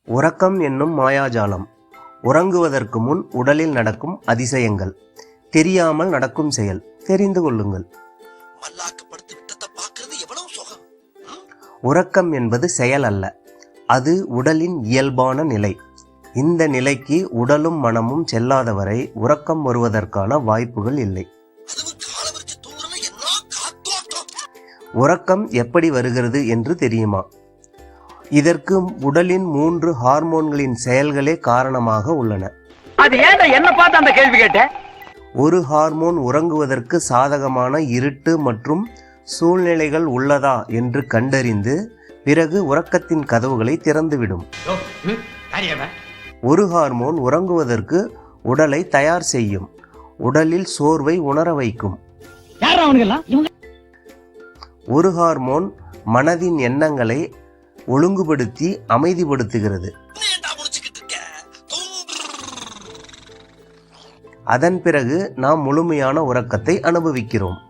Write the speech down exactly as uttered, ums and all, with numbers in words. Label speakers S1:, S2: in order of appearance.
S1: உறக்கம் என்னும் மாயாஜாலம். உறங்குவதற்கு முன் உடலில் நடக்கும் அதிசயங்கள். தெரியாமல் நடக்கும் செயல். தெரிந்து கொள்ளுங்கள். உறக்கம் என்பது செயல் அல்ல, அது உடலின் இயல்பான நிலை. இந்த நிலைக்கு உடலும் மனமும் செல்லாதவரை உறக்கம் வருவதற்கான வாய்ப்புகள் இல்லை. உறக்கம் எப்படி வருகிறது என்று தெரியுமா? இதற்கு உடலின் மூன்று ஹார்மோன்களின் செயல்களே காரணமாக உள்ளன.
S2: அது ஏன்டா என்ன பார்த்து அந்த கேள்வி கேட்ட?
S1: ஒரு ஹார்மோன் உறங்குவதற்கு சாதகமான இருட்டு மற்றும் சூழ்நிலைகள் உள்ளதா என்று கண்டறிந்து பிறகு உறக்கத்தின் கதவுகளை திறந்துவிடும். ஒரு ஹார்மோன் உறங்குவதற்கு உடலை தயார் செய்யும், உடலில் சோர்வை உணர வைக்கும். ஒரு ஹார்மோன் மனதின் எண்ணங்களை ஒழுங்குபடுத்தி அமைதிப்படுத்துகிறது. அதன் பிறகு நாம் முழுமையான உறக்கத்தை அனுபவிக்கிறோம்.